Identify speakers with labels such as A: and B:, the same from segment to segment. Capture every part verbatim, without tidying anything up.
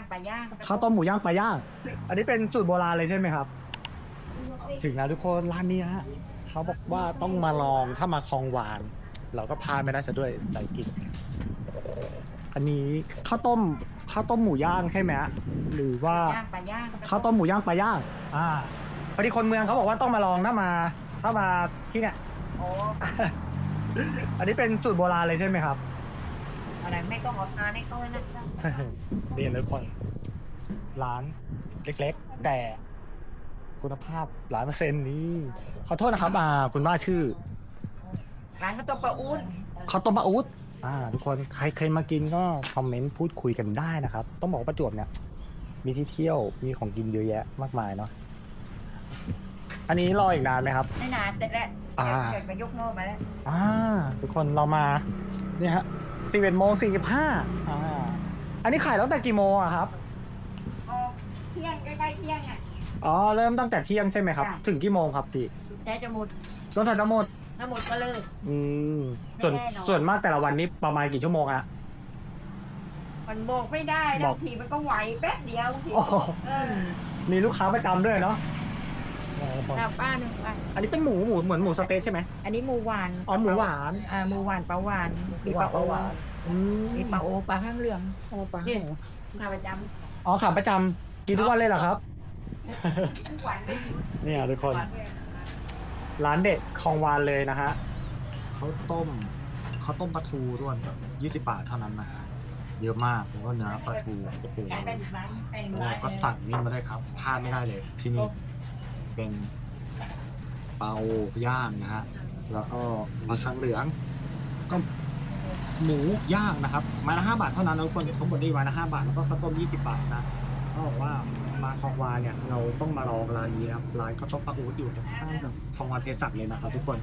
A: ปลาย่าง
B: ข้าวต้มหมูย่างปลาย่าง อันนี้เป็นสูตรโบราณเลยใช่ไหมครับ ถึงแล้วทุกคนร้านนี้ฮะเขาบอกว่าต้องมาลองถ้ามาคลองหวาน เราก็พาไม่ได้ซะด้วยใส่กิน อันนี้ข้าวต้มข้าวต้มหมูย่างใช่ไหมฮะหรือว่า
A: ย่างปลาย่าง
B: ข้าวต้มหมูย่างปลาย่าง อ่าพอดีคนเมืองเขาบอกว่าต้องมาลองถ้ามาถ้ามาที่เนี่ย
A: โอ้
B: อันนี้เป็นสูตรโบราณเลยใช่ไหมครับ
A: อะไรไม่ต้องเอาทานให้เขานะ
B: เรียนเลยคนร้านเล็กๆ แต่คุณภาพหลายเปอร์เซ็นต์นี่ขอโทษนะครับอ่าคุณว่าชื่อ
A: ร้านข้าวต้มปลาอุ้น
B: ข้าวต้มปลาอู๊ดอ่าทุกคนใครเคยมากินก็คอมเมนต์พูดคุยกันได้นะครับ ต้องบอกว่าประจวบเนี่ย มีที่เที่ยวมีของกินเยอะแยะมากมายเนาะอันนี้รออีกนานไหมครับ
A: ไม่นานแต่ละ
B: อ่า
A: เกิดมายกโน่มาแล้ว
B: อ่าทุกคนเรามาเนี่ยฮะสิบเอ็ดโมงสี่สิบห้าอ่าอันนี้ขายตั้งแต่กี่โมงอะครับ
A: ออกเที่ยงใกล้ๆเที่ยงอ่ะ
B: อ๋อเริ่มตั้งแต่เที่ยงใช่ไหมครับ
A: ค่ะ
B: ถึงกี่โมงครับพี่
A: ใช้จะหมด
B: รถไฟทั้งหมด
A: ถ้าหมดก็เลิก
B: อืมส่วน
A: ไม่แน่นอน
B: ส่วนมากแต่ละวันนี้ประมาณกี่ชั่วโมงอะ
A: มันบอกไม่ได้
B: บ
A: นะ
B: อก
A: บางทีมันก็ไหวแป๊บเดียวบางที
B: โอ้โห
A: เออ
B: มีลูกค้าประจำด้วยเนาะ
A: หน้าป้าหนึ่งวัน
B: อันนี้เป็นหมูหมูเหมือนหมูสะเต๊ะใช่ไหม
A: อันนี้หมูหวาน
B: อ๋อหมูหวาน
A: อ่าหมูหวานปลาหวานมีปลาโอ
B: อืม
A: มีปลาโอปลาข้างเหลือง
B: โอ้ปลา
A: นี่มาประจ
B: อ๋อขาประจำกินทุกวันเลยเหรอครับ
A: ำทุกวันไม่หยุด
B: เนี่ยทุกคนร้านเด็ดคลองวานเลยนะฮะเขาต้มเขาต้มปลาทูด้วยยี่สิบบาทเท่านั้นนะฮะเยอะมากแล้วก็เนื้อปลาทูโอ้โห
A: เป็นร้านเป็น
B: แล้ว
A: ร้าน
B: ก็สั่งนี่มาได้ครับพลาดไม่ได้เลยที่นี่เป็นเปาย่างนะฮะแล้วก็ปลาชังเหลือง ก็หมูย่างนะครับไมาละห้าบาทเท่านั้นแล้วคนทั้งหมดนี่ไมาละห้าบาทแล้วก็ข้าวต้มยี่สิบบาทนะเขาบอกว่ามาคลองวานเนี่ยเราต้องมาลองร้านนี้ครับร้านข้าวต้มปลาอู๊ดอยู่ตรงข้ามกับคลองวานเทสักเลยนะครับทุกคน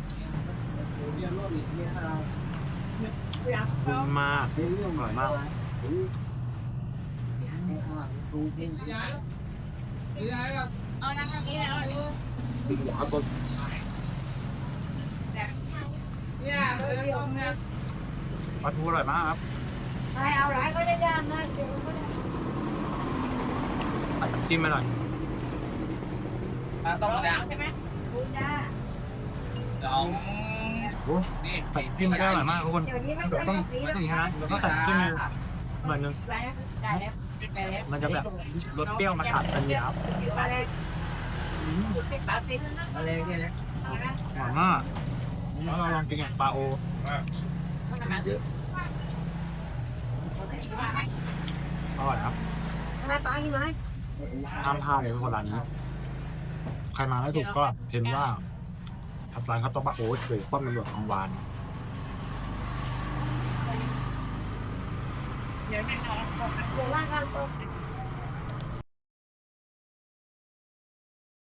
B: มากอร่อยมาก
A: เอาน้ำนี้แล้วดู
B: ข้าวต้มปลาทูอร่อยมากครับ
A: ใครเอาหลายก็ได้ย่างนะเดี๋ยวก็ได้
B: ตัดน้ำจิ้มมาหน่อย
C: ต้องแล้ว
A: ใช่ไหมคุณจ้า
C: สอง
B: โอ้นี่ใส่จิ้มมาได้อร่อยมากทุกคน
A: เดี๋ยวนี้ไม่
B: เดี๋ยวต้อง
A: สี
B: ไม่ต้องอย่างนี้นะเดี๋ยวต้องใส่จิ้มเลยหน่อยนึง
A: ได้แล้วได้แล้ว
B: มันจะแบบรสเปรี้ยวมาตัดกันยาว
A: อะไรติดปลาติดอะไรกันนะ
B: หวานมากแล้วเราลองกินกับปลาโออร่อยครับ
A: มาปลากี่ไม้
B: ห้ามพลาดเลยทุกคนร้านนี้ ใครมาไม่ถูกก็เห็นว่าทับร้านข้าวต้มปลาโอ๊ตหรือป้อมตำรวจของวาน
A: เดี๋ยวแม่นอน